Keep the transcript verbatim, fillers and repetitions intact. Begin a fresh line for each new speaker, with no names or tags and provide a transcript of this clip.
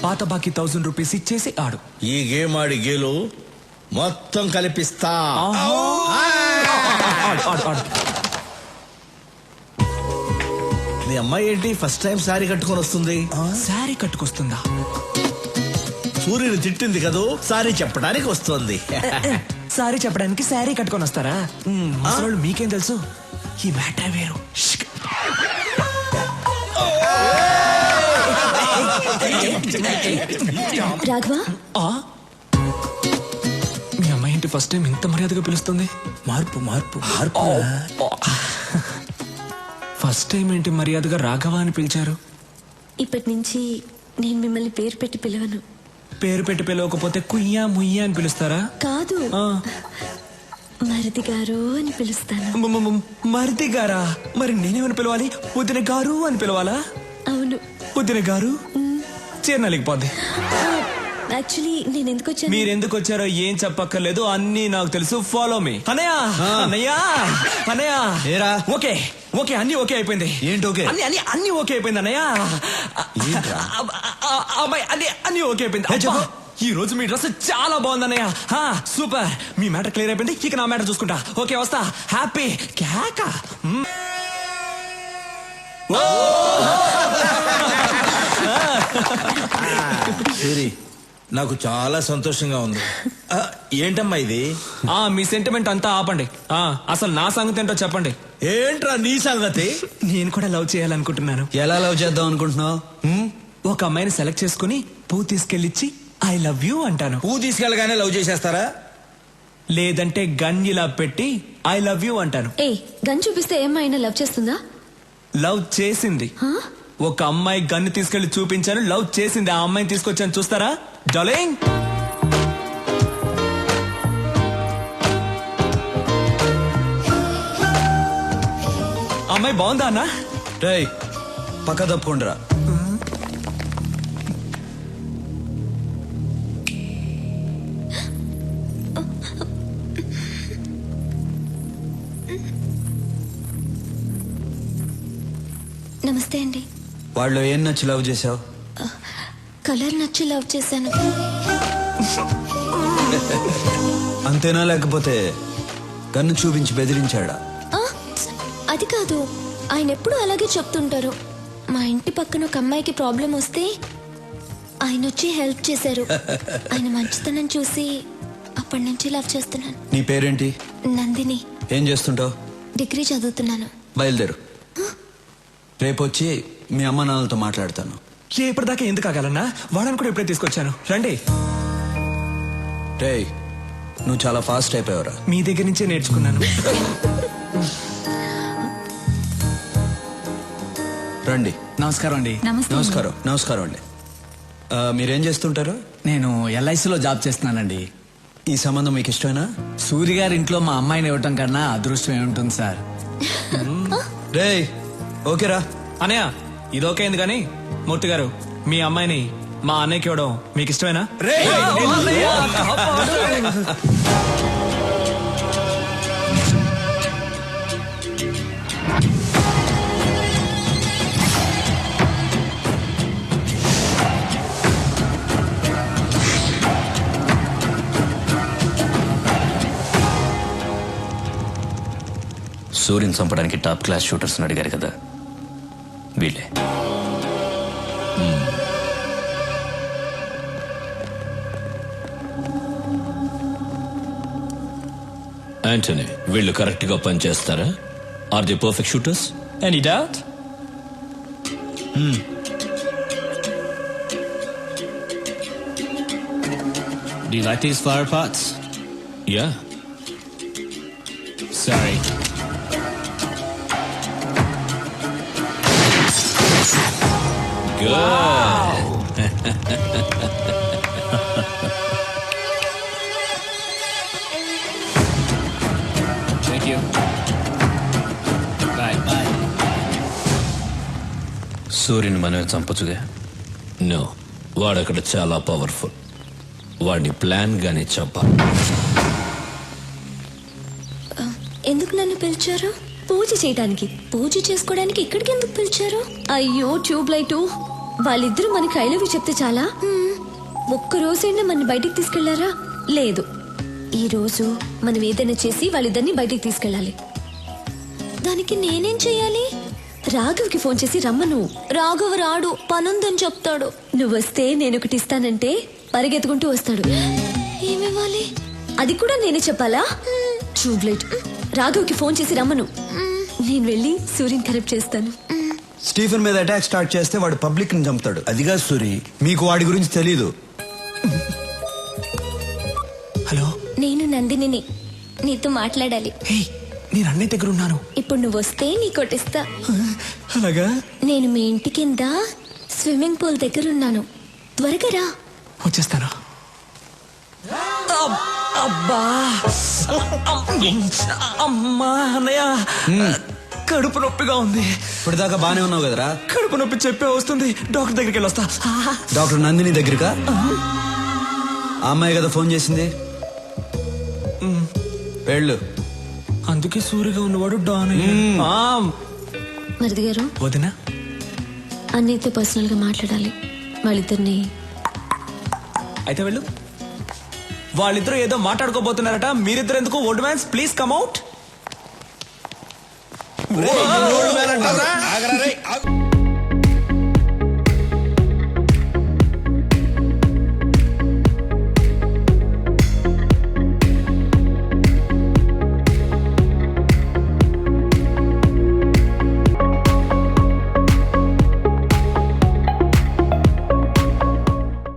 పాత బాకీ thousand rupees ఇచ్చేసి ఆడు.
ఈ గేమ్ ఆడి గేలు మొత్తం కలిపిస్తా. మీ అమ్మాయి ఏంటి ఫస్ట్ టైం సారీ కట్టుకొని వస్తుంది?
సారీ కట్టుకొస్తుందా?
సూర్యుని తిట్టింది కదూ, సారీ చెప్పడానికి వస్తుంది.
సారీ చెప్పడానికి సారీ కట్టుకొని వస్తారా? అసలు మీకేం తెలుసు? ఈ మ్యాటర్ వేరు.
రాఘవా,
మీ అమ్మాయి ఏంటి ఫస్ట్ టైం ఇంత మర్యాదగా పిలుస్తుంది?
మార్పు మార్పు మార్పు.
ఫస్ట్ టైం ఏంటి మర్యాదగా రాఘవ అని పిలిచారు?
ఇప్పటి నుంచి నేను మిమ్మల్ని పేరు పెట్టి పిలవను.
పేరు పెట్టి పిలవకపోతే కుయ్యా ముయ్యా అని పిలుస్తారా?
కాదు, మరిది గారు అని పిలుస్తాను.
మరిది గారా? మరి నేనేమని పిలవాలి? వదిన గారు అని పిలవాలా?
అవును.
వదిన గారు చేరనలేకపోద్ది.
యాక్చువల్లీ నేను ఎందుకు వచ్చాను?
మీరు ఎందుకు వచ్చారో ఏం చెప్పక్కర్లేదు, అన్ని నాకు తెలుసు. Follow me. అన్నయ్య అన్నయ్య అన్నయ్య
ఏరా?
ఓకే ఓకే అన్ని ఓకే అయిపోయింది.
ఏంటి ఓకే?
అన్ని అన్ని అన్ని ఓకే అయిపోయింది అన్నయ్య. అమ్మాయి అన్ని అన్ని ఓకే అయిపోయింది. ఈ రోజు మీ డ్రెస్ చాలా బాగుంది అన్నయ్య. సూపర్. మీ మ్యాటర్ క్లియర్ అయిపోయింది. ఇక నా మ్యాటర్ చూసుకుంటా. ఓకే వస్తా. హ్యాపీ కేక.
సూరి, నాకు చాలా సంతోషంగా ఉంది. ఏంటమ్మా ఇది?
ఆ మీ సెంటిమెంట్ అంతా ఆపండి. ఆ అసలు నా సంగతి ఏంటో చెప్పండి.
ఏంట్రా నీ సంగతి?
నేను కూడా లవ్ చేయాలనుకుంటున్నాను.
ఎలా లవ్ చేద్దాం అనుకుంటున్నావు?
ఒక అమ్మాయిని సెలెక్ట్ చేసుకుని పువ్వు తీసుకెళ్ళిచ్చి ఐ లవ్ యూ అంటాను.
పువ్వు తీసుకెళ్ళగానే లవ్ చేసేస్తారా?
లేదంటే గన్ ఇలా పెట్టి ఐ లవ్ యూ అంటాను.
ఏ గన్ చూపిస్తే ఏమైనా లవ్ చేస్తుందా?
లవ్ చేసింది. ఒక అమ్మాయి గన్ను తీసుకెళ్లి చూపించాను, లవ్ చేసింది. ఆ అమ్మాయిని తీసుకొచ్చాను, చూస్తారా డార్లింగ్? అమ్మాయి బాగుందా అన్న?
రై పక్క తప్పుకుండ్రా.
నమస్తే అండి.
వాళ్ళు ఏం నచ్చి లవ్ చేసావు?
కలర్ నచ్చి లవ్ చేశాను.
అంతేనా, లేకపోతే కన్ను చూపించి బెదిరించాడా?
అది కాదు, ఆయన ఎప్పుడు అలాగే చెప్తుంటారు. మా ఇంటి పక్కన ఒక అమ్మాయికి ప్రాబ్లం వస్తే ఆయన వచ్చి హెల్ప్ చేశారు. ఆయన మంచితనం చూసి అప్పటి నుంచి లవ్ చేస్తున్నాను.
నీ పేరేంటి?
నందిని.
ఏం చేస్తుంటావు?
డిగ్రీ చదువుతున్నాను.
బయలుదేరు. రేపు వచ్చి మీ అమ్మ నాన్నలతో మాట్లాడతాను.
ఇప్పటిదాకా ఎందుకు ఆగాలన్నా? వాడని కూడా ఇప్పుడే తీసుకొచ్చాను, రండి.
రే నువ్వు చాలా ఫాస్ట్ అయిపోయావురా.
మీ దగ్గర నుంచే నేర్చుకున్నాను.
రండి.
నమస్కారం అండి.
నమస్కారం. నమస్కారం అండి. మీరేం చేస్తుంటారు?
నేను ఎల్ఐసిలో జాబ్ చేస్తున్నానండి.
ఈ సంబంధం మీకు ఇష్టమేనా?
సూర్య గారి ఇంట్లో మా అమ్మాయిని ఇవ్వటం కన్నా అదృష్టం ఏముంటుంది సార్.
రే ఓకేరా
అన్నయ్య, ఇది ఓకే అయింది కానీ మూర్తి గారు, మీ అమ్మాయిని మా అన్నయ్యకి ఇవ్వడం మీకు ఇష్టమేనా?
సూర్యుని చంపడానికి టాప్ క్లాస్ షూటర్స్ అడిగారు కదా, వీళ్ళే. యాంటనీ, వీళ్ళు కరెక్ట్ గా పనిచేస్తారా? Are the perfect shooters? Any doubt?
Do you like these flower pots?
Yeah.
Sorry.
Good.
Wow. Thank you. Bye. Bye.
సూర్యుని మనమే చంపచ్చుగా? నో, వాడక్కడ చాలా పవర్ఫుల్. వాడిని ప్లాన్ గానే చంపాలి.
ఎందుకు నన్ను పిలిచారు? పూజ చేయడానికి. పూజ చేసుకోవడానికి ఇక్కడికి ఎందుకు పిలిచారు? అయ్యో ట్యూబ్ లైట్. వాళ్ళిద్దరూ మనకి ఐ లవ్ యూ చెప్తే చాలా ఒక్క రోజైనా మన బయటికి తీసుకెళ్లారా? లేదు. ఈ రోజు మనం ఏదైనా చేసి వాళ్ళిద్దరిని బయటికి తీసుకెళ్ళాలి. దానికి నేనేం చెయ్యాలి? రాఘవ్కి ఫోన్ చేసి రమ్మను. రాఘవ్ రాడు, పనుందని చెప్తాడు. నువ్వు వస్తే నేను ఒకటి ఇస్తానంటే పరిగెత్తుకుంటూ వస్తాడు. ఏమివ్వాలి? అది కూడా నేనే చెప్పాలా? ట్యూబ్లైట్. రాఘవ్కి ఫోన్ చేసి రమ్మను. నేను వెళ్ళి సూర్యని కరెక్ట్ చేస్తాను.
స్టీఫెన్ మీద అటాక్ స్టార్ట్ చేస్తే వాడు పబ్లిక్ ని చంపుతాడు. అదిగా సూరి, మీకు వాడి గురించి తెలీదు.
హలో,
నేను నందినిని, నీతో మాట్లాడాలి.
హే, నేను అన్నయ్య దగ్గర ఉన్నాను.
ఇప్పుడు నువ్వు వస్తే నీ కొట్టిస్తా.
అలాగా?
నేను మీ ఇంటి కింద స్విమ్మింగ్ పూల్ దగ్గర ఉన్నాను. త్వరగా రా.
వచ్చేస్తాను. అబ్- అబ్బా, అమ్మా అన్నయ్య, కడుపు నొప్పిగా ఉంది.
ఇప్పటిదాకా బానే ఉన్నావు కదరా?
కడుపు నొప్పి చెప్పే వస్తుంది. డాక్టర్ దగ్గరికి వెళ్ళొస్తా.
డాక్టర్ నందిని దగ్గరకా? ఆ అమ్మాయి కదా ఫోన్ చేసింది. వెళ్ళు.
అందుకే సూరిగా ఉన్నవాడు డాన్ అయ్యాడు. ఆ,
మరిది గారు,
వదినా,
అన్నయ్యతో పర్సనల్ గా మాట్లాడాలి. వాళ్ళిద్దరిని
అయితే వెళ్ళు. వాళ్ళిద్దరూ ఏదో మాట్లాడుకోబోతున్నారట. మీరిద్దరు ఎందుకు? Old mans please come out.
ఆగరా రేయ్, ఆగు.